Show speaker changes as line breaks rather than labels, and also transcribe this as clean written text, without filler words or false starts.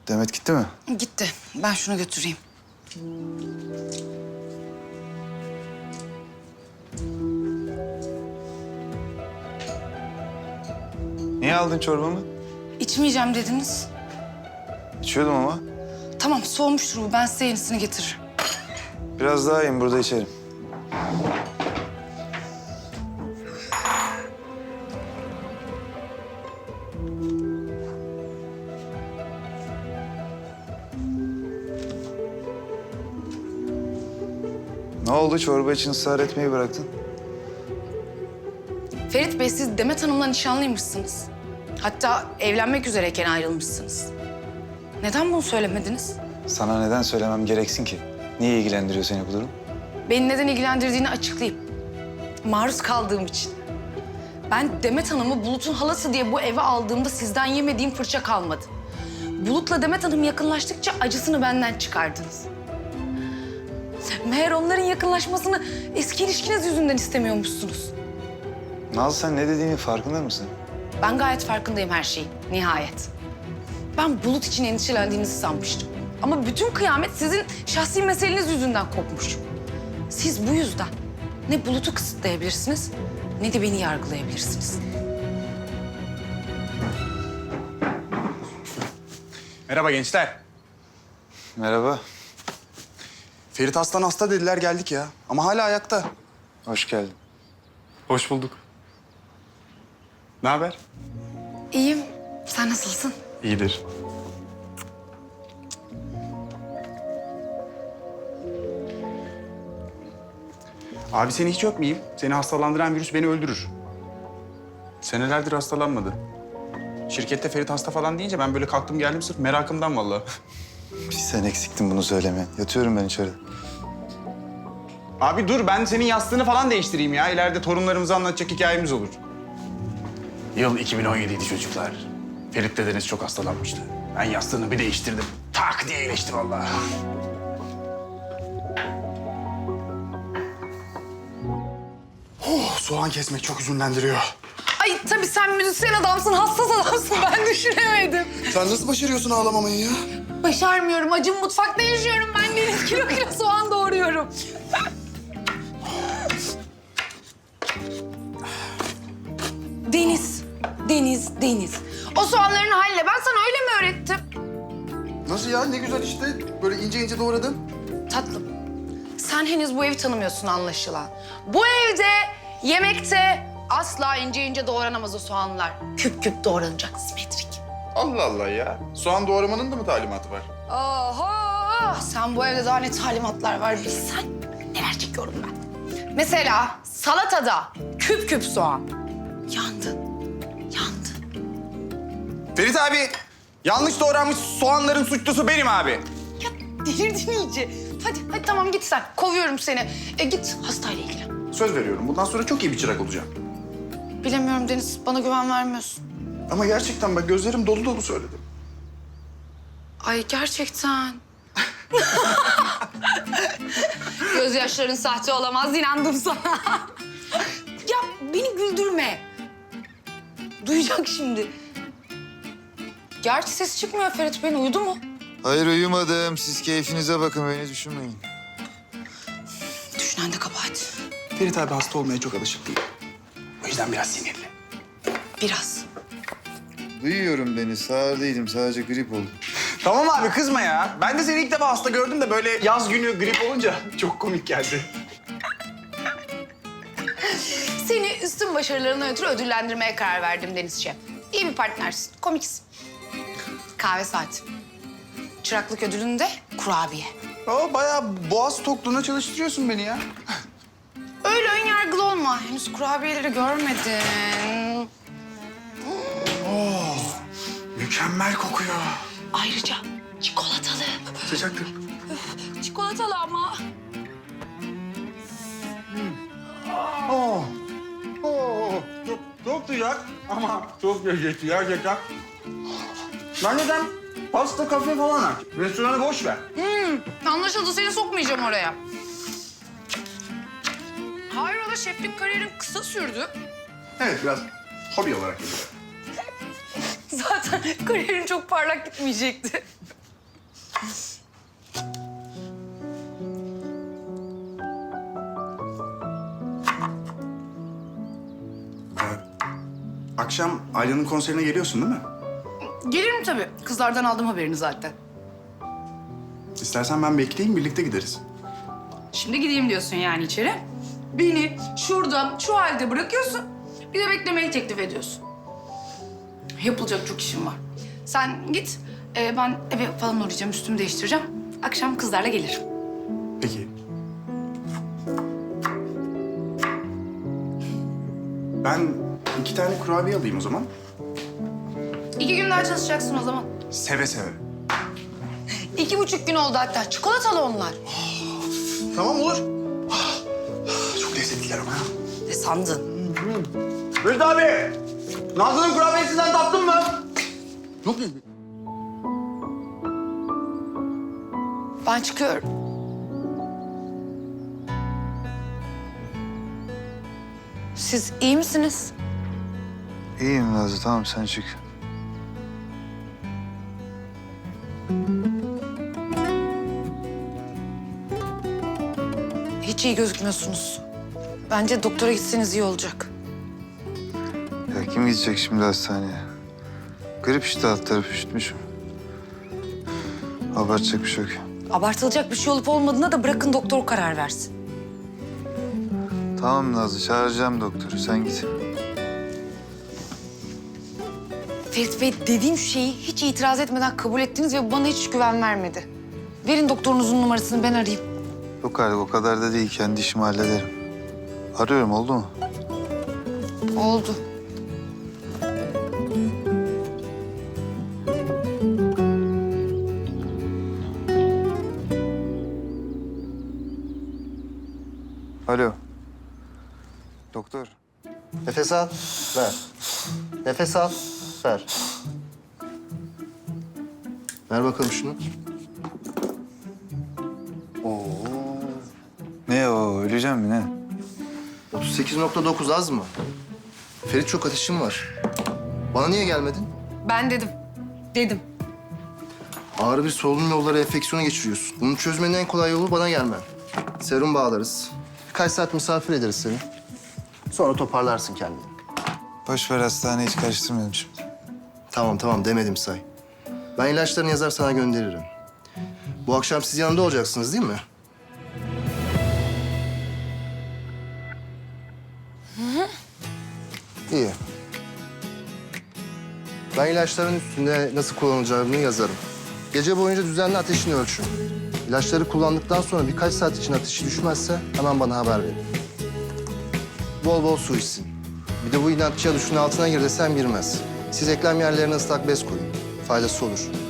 Demet gitti mi?
Gitti. Ben şunu götüreyim.
Niye aldın çorbamı?
İçmeyeceğim dediniz.
İçiyordum ama.
Tamam, soğumuştur bu. Ben size yenisini getiririm.
Biraz daha yiyeyim, burada içerim. Ne oldu? Çorba için ısrar etmeyi bıraktın.
Ferit Bey, siz Demet Hanım'la nişanlıymışsınız. Hatta evlenmek üzereyken ayrılmışsınız. Neden bunu söylemediniz?
Sana neden söylemem gereksin ki? Niye ilgilendiriyor seni bu durum?
Beni neden ilgilendirdiğini açıklayayım. Maruz kaldığım için. Ben Demet Hanım'ı Bulut'un halası diye bu eve aldığımda sizden yemediğim fırça kalmadı. Bulut'la Demet Hanım yakınlaştıkça acısını benden çıkardınız. Meğer onların yakınlaşmasını eski ilişkiniz yüzünden istemiyormuşsunuz.
Naz, sen ne dediğinin farkında mısın?
Ben gayet farkındayım her şeyin, nihayet. Ben Bulut için endişelendiğinizi sanmıştım. Ama bütün kıyamet sizin şahsi meseleniz yüzünden kopmuş. Siz bu yüzden ne Bulut'u kısıtlayabilirsiniz ne de beni yargılayabilirsiniz.
Merhaba gençler.
Merhaba,
Ferit Aslan hasta dediler, geldik ya. Ama hala ayakta.
hoş geldin.
Hoş bulduk. Ne haber?
İyiyim. Sen nasılsın?
İyidir. Abi seni hiç öpmeyeyim. Seni hastalandıran virüs beni öldürür. Senelerdir hastalanmadı. Şirkette Ferit hasta falan deyince ben böyle kalktım geldim sırf merakımdan vallahi.
Bir sen eksiktin bunu söylemeye. Yatıyorum ben içeride.
Abi dur, ben senin yastığını falan değiştireyim ya. İleride torunlarımıza anlatacak hikayemiz olur. Yıl 2017'ydi çocuklar. Ferit dedeniz çok hastalanmıştı. Ben yastığını bir değiştirdim. Tak diye iyileşti vallahi. Oh, soğan kesmek çok üzünlendiriyor.
Ay tabii sen müzisyen adamsın, hassas adamsın. Ben düşünemedim.
Sen nasıl başarıyorsun ağlamamayı ya?
Başarmıyorum. Acım mutfakta yaşıyorum. Ben deniz kilo kilo soğan doğruyorum. Deniz, Deniz, Deniz. O soğanların haline ben sana öyle mi öğrettim?
Nasıl ya? Ne güzel işte. Böyle ince ince doğradın.
Tatlım, sen henüz bu evi tanımıyorsun anlaşılan. Bu evde, yemekte asla ince ince doğranamaz o soğanlar. Küp küp doğranacak simetrik.
Allah Allah ya. Soğan doğramanın da mı talimatı var?
Oho! Sen bu evde daha ne talimatlar var bilsen neler çekiyorum ben. Mesela salatada küp küp soğan. Yandın, yandın.
Ferit abi, yanlış doğranmış soğanların suçlusu benim abi.
Ya delirdin iyice. Hadi tamam git sen. Kovuyorum seni. Git hastayla ilgilen.
Söz veriyorum. Bundan sonra çok iyi bir çırak olacağım.
Bilemiyorum Deniz, bana güven vermiyorsun.
Ama gerçekten bak gözlerim dolu dolu söyledim.
Ay gerçekten. Gözyaşların sahte olamaz, inandım sana. Ya beni güldürme. Duyacak şimdi. Gerçi ses çıkmıyor Ferit Bey, uyudu mu?
Hayır, uyumadım. Siz keyfinize bakın, beni düşünmeyin.
Düşünen de kabahat.
Ferit abi hasta olmaya çok alışık değil. O yüzden biraz sinirli.
Biraz.
Duyuyorum Deniz, sağır değilim. Sadece grip oldum.
Tamam abi, kızma ya. Ben de seni ilk defa hasta gördüm de böyle yaz günü grip olunca çok komik geldi.
Seni üstün başarılarına ötürü ödüllendirmeye karar verdim Denizciğim. İyi bir partnersin, komiksin. Kahve saati. Çıraklık ödülünde kurabiye.
Aa, bayağı boğaz tokluğuna çalıştırıyorsun beni ya.
Öyle ön yargılı olma. Henüz kurabiyeleri görmedin.
Mükemmel kokuyor.
Ayrıca çikolatalı.
Sıcaktır.
Çikolatalı ama.
Oo. Çok sıcak ama çok lezzetli gerçekten. Ben neden pasta, kafe falan aç. Restoranı boş ver.
Anlaşıldı, seni sokmayacağım oraya. Hayrola, şeflik kariyerin kısa sürdü.
Evet biraz hobi olarak yapıyorum.
Zaten kariyerin çok parlak gitmeyecekti.
Akşam Ayla'nın konserine geliyorsun değil mi?
Gelirim tabii. Kızlardan aldım haberini zaten.
İstersen ben bekleyeyim, birlikte gideriz.
Şimdi gideyim diyorsun yani içeri. Beni şurada, şu halde bırakıyorsun. Bir de beklemeyi teklif ediyorsun. Yapılacak çok işim var. Sen git. Ben eve falan uğrayacağım, üstümü değiştireceğim. Akşam kızlarla gelirim.
Peki. Ben 2 tane kurabiye alayım o zaman.
2 gün daha çalışacaksın o zaman.
Seve seve.
2,5 gün oldu hatta. Çikolatalı onlar.
Tamam olur. Çok lezzetliler ama ya.
Ne sandın?
Ferit abi! Nazlı'nın kurabiyesinden tattın mı?
Yok
Ben çıkıyorum. Siz iyi misiniz?
İyiyim Nazlı, tamam sen çık.
Hiç iyi gözükmüyorsunuz. Bence doktora gitseniz iyi olacak.
Ya kim gidecek şimdi hastaneye? Grip işte, alt tarafı üşütmüşüm. Abartacak bir şey yok.
Abartılacak bir şey olup olmadığına da bırakın doktor karar versin.
Tamam Nazlı, çağıracağım doktoru, sen git.
Ferit Bey, dediğim şeyi hiç itiraz etmeden kabul ettiniz ve bu bana hiç güven vermedi. Verin doktorunuzun numarasını, ben arayayım.
Yok artık, o kadar da değil, kendi işimi hallederim. Arıyorum, oldu mu?
Oldu.
Alo. Doktor.
Nefes al, ver. Nefes al, ver. Ver bakalım şunu.
Ne o, öleceğim mi ne?
38,9 az mı? Ferit, çok ateşim var. Bana niye gelmedin?
Ben dedim. Dedim.
Ağrı bir solunum yolları enfeksiyonu geçiriyorsun. Bunu çözmenin en kolay yolu bana gelmen. Serum bağlarız. Birkaç saat misafir ederiz seni. Sonra toparlarsın kendini.
Boş ver, hastaneyi hiç karıştırmayalım şimdi.
Tamam demedim say. Ben ilaçlarını yazar sana gönderirim. Bu akşam siz yanında olacaksınız değil mi? İyi. Ben ilaçların üstünde nasıl kullanılacağını yazarım. Gece boyunca düzenli ateşini ölçün. İlaçları kullandıktan sonra birkaç saat için ateşi düşmezse hemen bana haber verin. Bol bol su içsin. Bir de bu inatçıya duşun altına gir desem girmez. Siz eklem yerlerine ıslak bez koyun. Faydası olur.